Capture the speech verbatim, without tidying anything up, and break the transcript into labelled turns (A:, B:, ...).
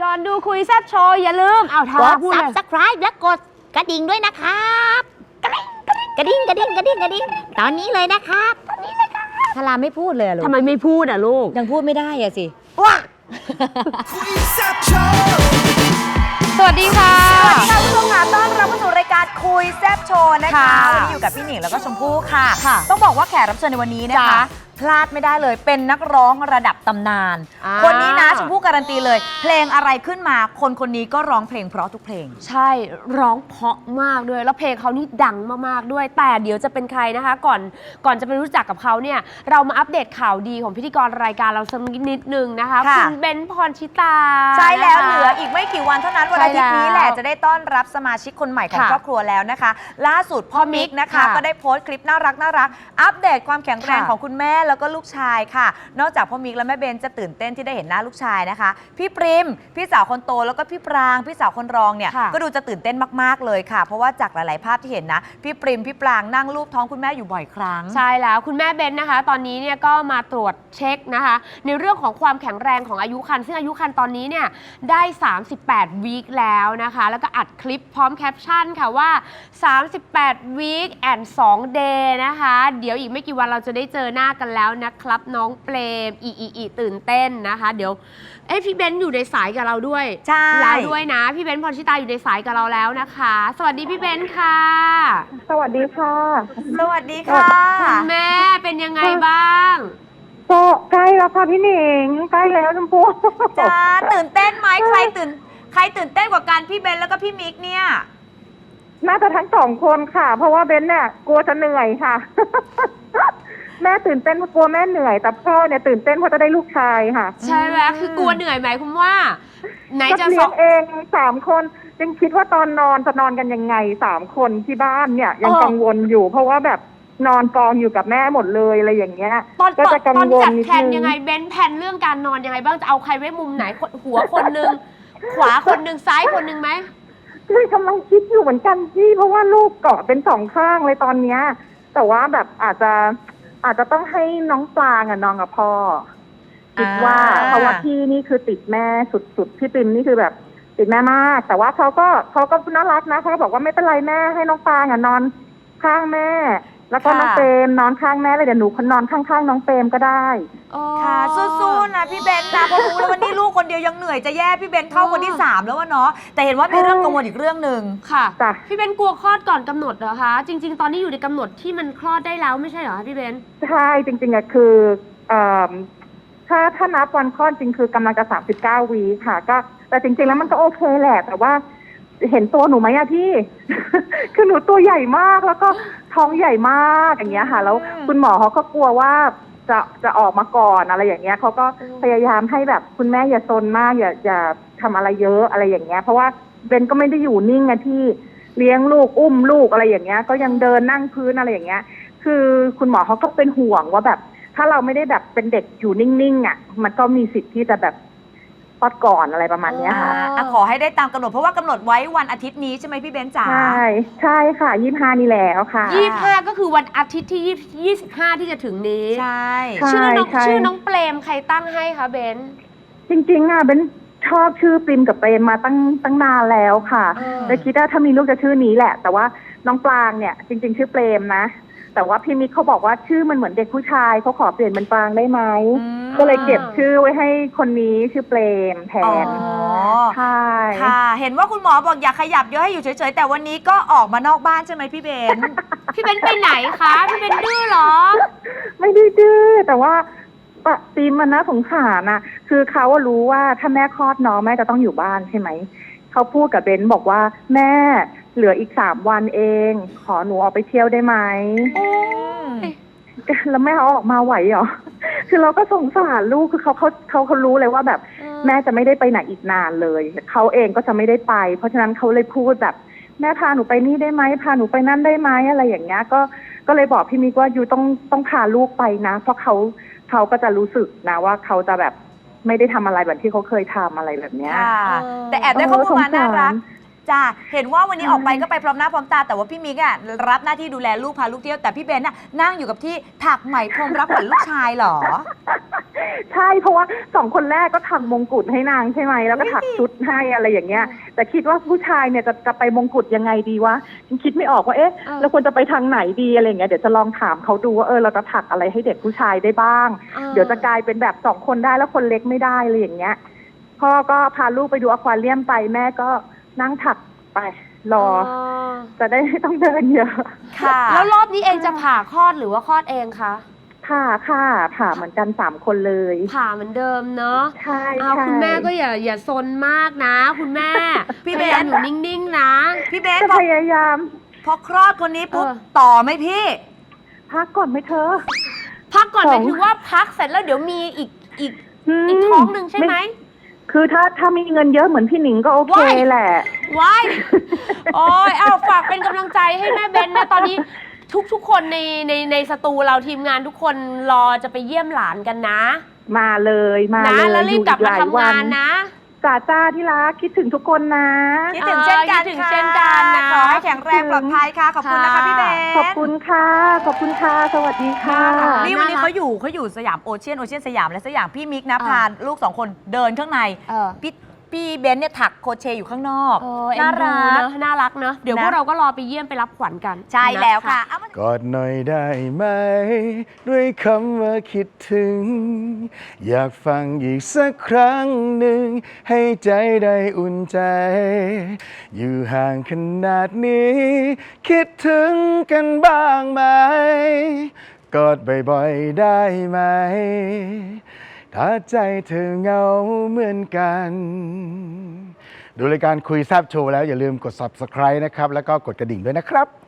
A: ก่อนดูคุยแซ่บโชว์อย่าลืมเอาทาก
B: ด Subscribe และกดกระดิ่งด้วยนะครับกระดิ่งกระดิ่งกระดิ่งกระดิ่งตอนนี้เลยนะครับตอนนี้เลยครับทาราไม่พูดเลยลูก
A: ทำไมไม่พูดอ่ะลูก
B: ยังพูดไม่ได้อะสิ
A: ว้าสวัสดีค่ะ
C: สวัสดีค่ะคุณผู้ชมค่ะต้อนรับเข้าสู่รายการคุยแซ่บโชว์นะคะ
A: ค่ะ
C: วันนี้อยู่กับพี่หนิงแล้วก็ชมพู่ค่ะ
A: ค่ะ
C: ต้องบอกว่าแขกรับเชิญในวันนี้นะคะ
A: จ้ะ
C: พลาดไม่ได้เลยเป็นนักร้องระดับตำนาน
A: อ่า
C: คนนี้นะชมพู่การันตีเลย เพลงอะไรขึ้นมาคนคนนี้ก็ร้องเพลงเพราะทุกเพลง
A: ใช่ร้องเพราะมากด้วยแล้วเพลงเขานี่ดังมากๆด้วย แต่เดี๋ยวจะเป็นใครนะคะ ก่อนก่อนจะไปรู้จักกับเขาเนี่ยเรามาอัปเดตข่าวดีของพิธีกรรายการเราสักนิดนึงนะคะ
C: ค่ะ
A: คุณเบนซ์พรชิตา
C: ใช่แล้ว
A: นะคะ
C: เหลืออีกไม่กี่วันเท่านั้นวันอาทิตย์นี้แหละจะได้ต้อนรับสมาชิกคนใหม่ของ
A: ค่ะ
C: ครอบครัวแล้วนะคะ ล่าสุดพ่อมิกนะคะ
A: ค่ะ
C: ก็ได้โพสต์คลิปน่ารักน่ารักอัปเดตความแข็งแรง
A: ค่ะ
C: ของคุณแม่แล้วก็ลูกชายค่ะ นอกจากพ่อมิกและแม่เบนจะตื่นเต้นที่ได้เห็นหน้าลูกชายนะคะพี่ปริมพี่สาวคนโตแล้วก็พี่ปรางพี่สาวคนรองเนี่ย
A: ค่ะ
C: ก็ดูจะตื่นเต้นมากๆเลยค่ะ เพราะว่าจากหลายๆภาพที่เห็นนะพี่ปริมพี่ปรางนั่งรูปท้องคุณแม่อยู่บ่อยครั้ง
A: ใช่แล้วคุณแม่เบนนะคะ ตอนนี้เนี่ยก็มาตรวจเช็คนะคะ ในเรื่องของความแข็งแรงของอายุครรภ์ซึ่งอายุครรภ์ตอนนี้เนี่ยได้ สามสิบแปด วีคแล้วนะคะ แล้วก็อัดคลิปพร้อมแคปชั่นค่ะว่า สามสิบแปด วีคแอนด์สอง เดย์นะคะ เดี๋ยวอีกไม่กี่วันเราจะได้เจอหน้ากันแล้วนะครับ น้องเปรมอีอีอีตื่นเต้นนะคะ เดี๋ยวเอ้ยพี่เบนซ์อยู่ในสายกับเราด้วย
C: ใช่
A: แล้วด้วยนะพี่เบนซ์พรชิตาอยู่ในสายกับเราแล้วนะคะ สวัสดีพี่เบนซ์ค่ะ
D: สวัสดีค่ะ
C: สวัสดีค่ะ
A: คุณแม่เป็นยังไงบ้าง
D: ก็ใกล้แล้วค่ะพี่หนิงใกล้แล้วชมพู่
C: จ้าตื่นเต้นไหมใครตื่นใครตื่นเต้นกว่ากันพี่เบนแล้วก็พี่มิกเนี่ย
D: น่าจะทั้งสองคนค่ะ เพราะว่าเบนเนี่ยกลัวจะเหนื่อยค่ะ แม่ตื่นเต้นเพราะกลัวแม่เหนื่อย แต่พ่อเนี่ยตื่นเต้นเพราะจะได้ลูกชายค่ะ
A: ใช่ไหมคือกลัวเหนื่อยไหมคุณว่า ไหน
D: ก็
A: จะ
D: เลี้
A: ส
D: ย
A: อง
D: งเองสามคนยังคิดว่าตอนนอนจะนอนกันยังไงสามคนที่บ้านเนี่ย ยังกังวลอยู่ เพราะว่าแบบนอนกองอยู่กับแม่หมดเลยอะไรอย่างเงี้ย
A: ตอน
D: ก็
A: ตอน
D: จะกัง
A: ตอน
D: วล
A: จัด
D: นิด
A: แผน
D: นึง
A: ยังไงเบนแผนเรื่องการนอนยังไงบ้างจะเอาใครไว้มุมไหนคนหัวคนหนึง ขวาคนหนึงซ้ายคนหนึงไหม
D: เลยกำลังคิดอยู่เหมือนกันพี่เพราะว่าลูกเกาะเป็นสองข้างเลยตอนเนี้ยแต่ว่าแบบอาจจะอาจจะต้องให้น้องปลางอะนอนกับพ่อคิดว่า
C: อ่า
D: เพราะว่าพี่นี่คือติดแม่สุดๆพี่ปิมนี่คือแบบติดแม่มาก แต่ว่าเขาก็เขาก็น่ารักนะเขาก็บอกว่าไม่เป็นไรแม่ให้น้องปลางอะนอนข้างแม่ แล้วก็น้องเปรมนอนข้างแม่เลยเดี๋ยวหนูนอนข้างๆน้องเปรมก็ได้
C: ค่ะสู้ๆนะพี่เบนนะเพราะรู้แล้วว่านี่ลูกคนเดียวยังเหนื่อยจะแย่พี่เบนเข้าคนที่สามแล้ววะเนาะแต่เห็นว่ามีเรื่องกังวลอีกเรื่องหนึ่ง
A: ค่ะ
D: จ้ะ
A: พี่เบนกลัวคลอดก่อนกำหนดเหรอคะ จริง ๆ ตอนนี้อยู่ในกำหนดที่มันคลอดได้แล้วไม่ใช่เหรอคะพี่เบน
D: ใช่จริงๆอะคือเอ่อถ้าถ้านับวันคลอดจริงคือกำลังจะสามสิบเก้าวีค่ะ ก็แต่จริงๆแล้วมันก็โอเคแหละ แต่ว่าเห็นตัวหนูไหมอะพี่ คือหนูตัวใหญ่มากแล้วก็ท้องใหญ่มากอย่างเงี้ยค่ะ แล้วคุณหมอเขาก็กลัวว่าจะจะออกมาก่อนอะไรอย่างเงี้ยเขาก็พยายามให้แบบคุณแม่อย่าซนมากอย่าอย่าทำอะไรเยอะอะไรอย่างเงี้ย เพราะว่าเบนก็ไม่ได้อยู่นิ่งอะที่เลี้ยงลูกอุ้มลูกอะไรอย่างเงี้ย ก็ยังเดินนั่งพื้นอะไรอย่างเงี้ย คือคุณหมอเขาก็เป็นห่วงว่าแบบ ถ้าเราไม่ได้แบบเป็นเด็กอยู่นิ่งๆอ่ะ มันก็มีสิทธิ์ที่จะแบบคลอดก่อนอะไรประมาณเนี้ยค่ะ
C: อ่ะขอให้ได้ตามกำหนดเพราะว่ากำหนดไว้วันอาทิตย์นี้ใช่ไหมพี่เบนจ๋า
D: ใช่ใช่ค่ะยี่สิบห้านี่แล้วค่ะ
A: ยี่สิบห้าก็คือวันอาทิตย์ที่ยี่สิบห้าที่จะถึงนี้
C: ใช่
D: ใช่
A: ชื่อน้อง
D: ใช่
A: ชื่อน้องเปรมใครตั้งให้คะเบน
D: จริงๆอ่ะเบนชอบชื่อปริมกับเปรมมาตั้งตั้งนานแล้วค่ะ
A: อ่า
D: เลยคิดว่าถ้ามีลูกจะชื่อนี้แหละ แต่ว่าน้องปลางเนี่ย จริง ๆ ชื่อเปรมนะ แต่ว่าพี่มิกเขาบอกว่าชื่อมันเหมือนเด็กผู้ชายเขาขอเปลี่ยนเป็นปลางได้ไหม
C: อืม
D: ก็เลยเก็บชื่อไว้ให้คนนี้ชื่อเปรมแท
C: อ๋อ
D: นใช่
C: ค่ะ เห็นว่าคุณหมอบอกอย่าขยับเยอะให้อยู่เฉยๆแต่วันนี้ก็ออกมานอกบ้านใช่ไหมพี่เบน
A: พี่เบนไปไหนคะพี่เบนดื้อเหรอ
D: ไม่ได้ดื้อแต่ว่าปะตีมมันน่าสงสารน่ะ คือเขาอะรู้ว่าถ้าแม่คลอดน้องแม่จะต้องอยู่บ้านใช่ไหมเขาพูดกับเบนบอกว่าแม่เหลืออีกสามวันเอง ขอหนูออกไปเที่ยวได้ไหมแล้วแม่เขาออกมาไหวเหรอ คือเราก็สงสารลูกคือเขาเขาเขาเขารู้เลยว่าแบบ
A: อืม
D: แม่จะไม่ได้ไปไหนอีกนานเลยเขาเองก็จะไม่ได้ไป เพราะฉะนั้นเขาเลยพูดแบบ แม่พาหนูไปนี่ได้ไหมพาหนูไปนั่นได้ไหมอะไรอย่างเงี้ยก็ก็เลยบอกพี่มิกว่าอยู่ต้องต้องพาลูกไปนะ เพราะเขาเขาก็จะรู้สึกนะว่าเขาจะแบบไม่ได้ทำอะไรแบบที่เขาเคยทำอะไรแบบเนี้ย
C: ค่ะ
A: เออ
C: แต่แอบได้ข้อมูลมาน่ารัก
D: เออสงสาร
C: จ้าเห็นว่าวันนี้ออกไปก็ไปพร้อมหน้าพร้อมตาแต่ว่าพี่มิกอ่ะรับหน้าที่ดูแลลูกพาลูกเที่ยวแต่พี่เบนน่ะนั่งอยู่กับที่ถักไหมพรมรับขวัญลูกชายเหรอ
D: ใช่เพราะว่าสองคนแรกก็ถักมงกุฎให้นางใช่ไหมแล้วก็ถักชุดให้อะไรอย่างเงี้ย แต่คิดว่าผู้ชายเนี่ยจะจะไปมงกุฎยังไงดีวะฉันคิดไม่ออกว่าเอ๊ะ
A: เออ
D: เราควรจะไปทางไหนดีอะไรอย่างเงี้ยเดี๋ยวจะลองถามเขาดูว่าเออเราจะถักอะไรให้เด็กผู้ชายได้บ้าง
A: ออ
D: เดี๋ยวจะกลายเป็นแบบสองคนได้แล้วคนเล็กไม่ได้อะไรอย่างเงี้ยพ่อก็พาลูกไปดูอควาเรียมไปแม่ก็นั่งถักไปรอ จะได้ไม่ต้องเดินเยอะ
C: ค่ะ
A: แล้วรอบนี้เองจะผ่าคลอดหรือว่าคลอดเองคะ
D: ผ่าค่ะผ่าเหมือนกันสามคนเลย
A: ผ่าเหมือนเดิมเนาะ
D: ใช่
A: เอา
D: ใช่
A: คุณแม่ก็อย่าอย่าซนมากนะ คุณแม่
C: พี่
A: พ
C: เบน
A: ยายามอยู่นิ่งๆนะ
C: พี่เบน
D: จะ
C: พอ
D: พยายาม
C: พอคลอดคนนี้ปุ๊บ
A: เออ
C: ต่อไหมพี่
D: พักก่อนไหมเธอ
A: พักก่อน
D: ส
A: ห
D: อ
A: มาง ยถึงว่าพักเสร็จแล้วเดี๋ยวมีอีกอีก
D: ม
A: อีกท้องหนึ่งใช่ไหม
D: คือถ้าถ้ามีเงินเยอะเหมือนพี่หนิงก็โอเค
A: ว้าย
D: แหละ
A: ว้ายโอ้ยเอาฝากเป็นกำลังใจให้แม่เบนนะตอนนี้ทุกทุกคนในในในสตูเราทีมงานทุกคนรอจะไปเยี่ยมหลานกันนะ
D: มาเลยมา
A: นะ
D: เลย
A: แล้วรีบกลับมาทำงานนะ
D: จ่าจ้าที่รักคิดถึงทุกคนนะ
C: คิดถึงเช่นกัน
A: คิดถึง
C: ค่ะ
A: เช่นกันนะคะ
C: ขอให้แข็งแรงปลอดภัยค่ะ ขอบคุณนะคะ
A: ค่ะ
C: พี่เบน
D: ขอบคุณค่ะ ขอบคุณค่ะ สวัสดีค่ะ
C: นี่วันนี้
A: น่ารัก
C: เขาอยู่เขาอยู่สยามโอเชียนโอเชียนสยามและสยามพี่มิกนะ
A: เออ
C: พาลูกสองคนเดินข้างใน
A: เออ
C: พี่พี่เบนซ์เนี่ยถักโครเชต์อยู่ข้างนอก
A: เออเอ็น
C: น่า
A: ดู
C: รัก
A: เนอะน่ารักเนอะเดี๋ยว
C: นะ
A: พวกเราก็รอไปเยี่ยมไปรับขวัญกัน
C: ใช่แล้ว
A: น
C: ค่ะเอามาก
E: อดหน่อยได้ไหม ด้วยคำว่าคิดถึง อยากฟังอีกสักครั้งหนึ่ง ให้ใจได้อุ่นใจ อยู่ห่างขนาดนี้ คิดถึงกันบ้างไหม กอดบ่อยๆได้ไหม ถ้าใจเธอเหงาเหมือนกัน ดูรายการคุยแซบโชว์แล้วอย่าลืมกด ซับสไครบ์ นะครับ แล้วก็กดกระดิ่งด้วยนะครับ